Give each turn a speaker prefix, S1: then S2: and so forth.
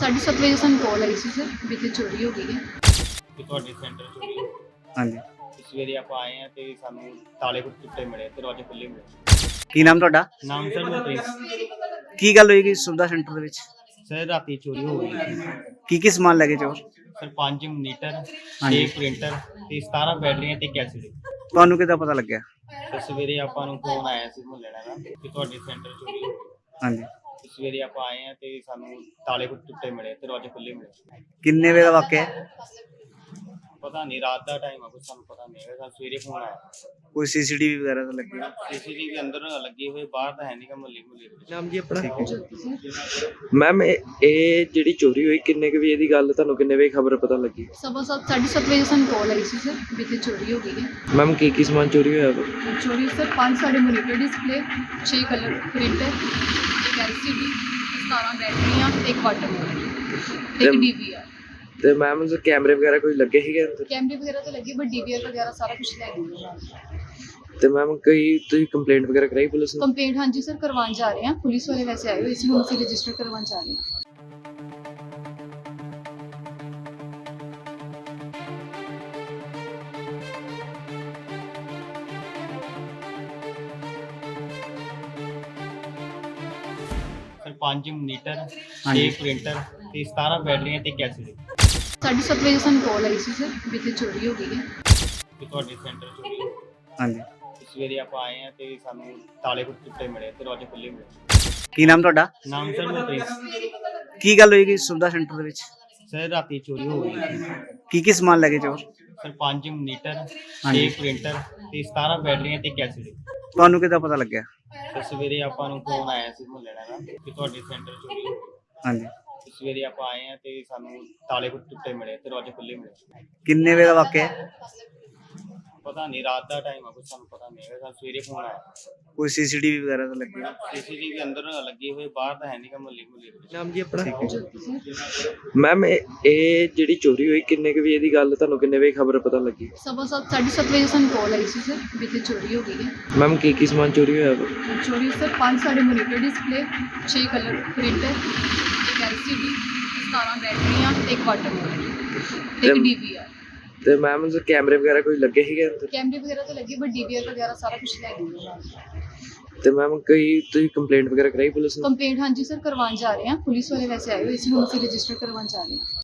S1: 7:30 ਵਜੇ ਸਾਨੂੰ ਕਾਲ ਆਈ ਸੀ ਸਰ ਵੀ ਇੱਥੇ ਚੋਰੀ ਹੋ ਗਈ ਹੈ।
S2: ਕਿ ਤੁਹਾਡੇ ਸੈਂਟਰ ਚੋਰੀ ਹੋਈ।
S3: ਹਾਂਜੀ।
S2: ਸਵੇਰੇ ਆਪਾਂ ਆਏ ਆ ਤੇ ਸਾਨੂੰ ਤਾਲੇ ਟੁੱਟੇ ਮਿਲੇ, ਦਰਵਾਜ਼ੇ ਖੁੱਲੇ ਮਿਲੇ।
S3: ਕੀ ਨਾਮ ਤੁਹਾਡਾ?
S2: ਨਾਮ ਸਰ ਦਾ ਪ੍ਰਿੰਸ।
S3: ਕੀ ਗੱਲ ਹੋਈ ਕਿ ਸੁਵਿਧਾ ਸੈਂਟਰ ਦੇ ਵਿੱਚ
S2: ਸਰ ਰਾਤੀ ਚੋਰੀ ਹੋ ਗਈ ਸੀ।
S3: ਕੀ ਸਮਾਨ ਲੈ ਕੇ ਚੋਰ?
S2: ਸਰ 5 ਮੋਨੀਟਰ,
S3: ਹਾਂਜੀ।
S2: 6 ਪ੍ਰਿੰਟਰ ਤੇ 17 ਬੈਟਰੀਆਂ ਤੇ ਕੈਸੇਟ।
S3: ਤੁਹਾਨੂੰ ਕਿੱਦਾਂ ਪਤਾ ਲੱਗਿਆ?
S2: ਤੇ ਸਵੇਰੇ ਆਪਾਂ ਨੂੰ ਫੋਨ ਆਇਆ ਸੀ ਮੁਹੱਲੇ ਦਾ ਕਿ ਤੁਹਾਡੇ ਸੈਂਟਰ ਚੋਰੀ ਹੋ ਗਈ।
S3: ਹਾਂਜੀ।
S2: ਤੇ ਸਵੇਰੇ ਆਪਾਂ ਆਏ ਆ ਤੇ ਸਾਨੂੰ ਤਾਲੇ ਟੁੱਟੇ ਮਿਲੇ, ਦਰਵਾਜ਼ੇ ਖੁੱਲੇ ਮਿਲੇ।
S3: ਕਿੰਨੇ ਵਜੇ ਦਾ ਵਾਕਿਆ ਹੈ?
S2: ਪਤਾ ਨਹੀਂ, ਰਾਤ ਦਾ ਟਾਈਮ ਆ, ਕੁਝ ਸਾਨੂੰ ਪਤਾ ਨਹੀਂ ਹੈਗਾ। ਸਾਨੂੰ ਸਵੇਰੇ ਫੋਨ ਆਇਆ।
S3: ਕੋਈ ਸੀਸੀਟੀਵੀ ਵਗੈਰਾ ਤਾਂ ਲੱਗੀ?
S2: ਸੀਸੀਟੀਵੀ ਅੰਦਰ ਲੱਗੀ ਹੋਈ, ਬਾਹਰ ਤਾਂ ਹੈ ਨਹੀਂ ਗਾ ਮੁਹੱਲੇ।
S4: ਨਾਮ ਜੀ ਆਪਣਾ?
S1: ਮੈਮ
S4: ਇਹ ਜਿਹੜੀ ਚੋਰੀ ਹੋਈ ਕਿੰਨੇ ਕੁ ਵਜੇ ਦੀ ਗੱਲ, ਤੁਹਾਨੂੰ ਕਿੰਨੇ ਵਜੇ ਖਬਰ ਪਤਾ ਲੱਗੀ?
S1: 7:30 ਵਜੇ ਸਾਨੂੰ ਕਾਲ ਆਈ ਸੀ ਸਰ ਵੀ ਇੱਥੇ ਚੋਰੀ ਹੋ ਗਈ ਹੈ।
S4: ਮੈਮ ਕੀ ਸਮਾਨ ਚੋਰੀ ਹੋਇਆ ਵਾ?
S1: ਚੋਰੀ ਸਰ 5 ਸਾਡੇ ਮੋਨੀਟਰ ਡਿਸਪਲੇ, 6 ਕਲਰ ਪ੍ਰਿੰਟਰ, ਇੱਕ LCD, 17 ਬੈਟਰੀਆਂ, ਇੱਕ ਵਾਟਰ ਮੋਡ, ਇੱਕ DVR।
S4: ਤੇ ਮੈਮ ਕੈਮਰੇ ਵਗੈਰਾ ਕੋਈ ਲੱਗੇ ਸੀਗੇ ਅੰਦਰ?
S1: ਕੈਮਰੇ ਵਗੈਰਾ ਤਾਂ ਲੱਗੇ ਬਟ DVR ਵਗੈਰਾ ਸਾਰਾ ਕੁਝ ਲੈ ਗਏ।
S4: ਤੇ ਮੈਮ ਤੁਸੀਂ ਕੰਪਲੇਂਟ ਵਗੈਰਾ ਕਰਾਈ ਪੁਲਿਸ ਨੂੰ?
S1: ਕੰਪਲੇਂਟ ਹਾਂਜੀ ਸਰ ਕਰਵਾਉਣ ਜਾ ਰਹੇ ਹਾਂ, ਪੁਲਿਸ ਵਾਲੇ ਵੈਸੇ ਆਏ ਹੋਏ ਸੀ, ਹੁਣ ਅਸੀਂ ਰਜਿਸਟਰ ਕਰਵਾਉਣ ਜਾ ਰਹੇ ਹਾਂ।
S2: ਸਰ 5 ਮੋਨੀਟਰ, 6 ਪ੍ਰਿੰਟਰ ਤੇ 17 ਬੈਟਰੀਆਂ ਤੇ ਕੈਸੇਟ।
S1: 7:30 ਵਜੇ ਸਾਨੂੰ ਕਾਲ ਆਈ ਸੀ ਸਰ ਵੀ ਇੱਥੇ ਚੋਰੀ ਹੋ ਗਈ ਹੈ।
S2: ਕਿ ਤੁਹਾਡੇ ਸੈਂਟਰ ਚੋਰੀ ਹੋਈ।
S3: ਹਾਂਜੀ।
S2: ਤੇ ਸਵੇਰੇ ਆਪਾਂ ਆਏ ਆ ਤੇ ਸਾਨੂੰ ਤਾਲੇ ਟੁੱਟੇ ਮਿਲੇ, ਦਰਵਾਜ਼ੇ ਖੁੱਲੇ ਮਿਲੇ।
S3: ਕੀ ਨਾਮ ਤੁਹਾਡਾ?
S2: ਨਾਮ ਸਰ ਦਾ ਪ੍ਰਿੰਸ।
S3: ਕੀ ਗੱਲ ਹੋਈ ਕਿ ਸੁਵਿਧਾ ਸੈਂਟਰ ਦੇ ਵਿੱਚ
S2: ਸਰ ਰਾਤੀ ਚੋਰੀ ਹੋ ਗਈ ਸੀ।
S3: ਕੀ ਸਮਾਨ ਲੈ ਕੇ ਚੋਰ?
S2: ਸਰ 5 ਮੋਨੀਟਰ, 6
S3: ਹਾਂਜੀ।
S2: ਪ੍ਰਿੰਟਰ ਤੇ 17 ਬੈਟਰੀਆਂ ਤੇ ਕੈਸੇਟ।
S3: ਤੁਹਾਨੂੰ ਕਿੱਦਾਂ ਪਤਾ ਲੱਗਿਆ?
S2: ਤੇ ਸਵੇਰੇ ਆਪਾਂ ਨੂੰ ਫੋਨ ਆਇਆ ਸੀ ਮੁਹੱਲੇ ਦਾ ਕਿ ਤੁਹਾਡੇ ਸੈਂਟਰ ਚੋਰੀ ਹੋਈ।
S3: ਹਾਂਜੀ।
S2: ਤੇ ਸਵੇਰੇ ਆਪਾਂ ਆਏ ਆ ਤੇ ਸਾਨੂੰ ਤਾਲੇ ਟੁੱਟੇ ਮਿਲੇ, ਦਰਵਾਜ਼ੇ ਖੁੱਲੇ ਮਿਲੇ।
S3: ਕਿੰਨੇ ਵਜੇ ਦਾ ਵਾਕਿਆ ਹੈ?
S2: ਪਤਾ ਨਹੀਂ, ਰਾਤ ਦਾ ਟਾਈਮ ਆ, ਕੁਝ ਸਾਨੂੰ ਪਤਾ ਨਹੀਂ ਹੈਗਾ। ਸਾਨੂੰ ਸਵੇਰੇ ਫੋਨ ਆਇਆ।
S3: ਕੋਈ ਸੀਸੀਟੀਵੀ ਵਗੈਰਾ ਤਾਂ ਲੱਗੀ?
S2: ਸੀਸੀਟੀਵੀ ਅੰਦਰ ਲੱਗੀ ਹੋਈ, ਬਾਹਰ ਤਾਂ ਹੈ ਨਹੀਂ ਗਾ ਮੁਹੱਲੇ।
S4: ਨਾਮ ਜੀ ਆਪਣਾ?
S1: ਸਰ
S4: ਮੈਮ ਇਹ ਜਿਹੜੀ ਚੋਰੀ ਹੋਈ ਕਿੰਨੇ ਕੁ ਵਜੇ ਦੀ ਗੱਲ, ਤੁਹਾਨੂੰ ਕਿੰਨੇ ਵਜੇ ਖਬਰ ਪਤਾ ਲੱਗੀ?
S1: 7:30 ਵਜੇ ਸਾਨੂੰ ਕਾਲ ਆਈ ਸੀ ਸਰ ਵੀ ਇੱਥੇ ਚੋਰੀ ਹੋ ਗਈ ਹੈ।
S4: ਮੈਮ ਕੀ ਸਮਾਨ ਚੋਰੀ ਹੋਇਆ ਵਾ?
S1: ਚੋਰੀ ਸਰ 5 ਸਾਡੇ ਮੋਨੀਟਰ ਡਿਸਪਲੇ, 6 ਕਲਰ ਪ੍ਰਿੰਟਰ, ਇੱਕ LCD, 17 ਬੈਟਰੀਆਂ, ਇੱਕ ਵਾਟਰ ਮੋਡ, ਇੱਕ DVR।
S4: ਤੇ ਮੈਮ ਕੈਮਰੇ ਵਗੈਰਾ ਕੋਈ ਲੱਗੇ ਸੀਗੇ ਅੰਦਰ?
S1: ਕੈਮਰੇ ਵਗੈਰਾ ਤਾਂ ਲੱਗੇ ਬਟ DVR ਵਗੈਰਾ ਸਾਰਾ ਕੁਝ ਲੈ ਗਏ।
S4: ਤੇ ਮੈਮ ਤੁਸੀਂ ਕੰਪਲੇਂਟ ਵਗੈਰਾ ਕਰਾਈ ਪੁਲਿਸ ਨੂੰ?
S1: ਕੰਪਲੇਂਟ ਹਾਂਜੀ ਸਰ ਕਰਵਾਉਣ ਜਾ ਰਹੇ ਹਾਂ, ਪੁਲਿਸ ਵਾਲੇ ਵੈਸੇ ਆਏ ਹੋਏ ਸੀ, ਹੁਣ ਅਸੀਂ ਰਜਿਸਟਰ ਕਰਵਾਉਣ ਜਾ ਰਹੇ ਹਾਂ।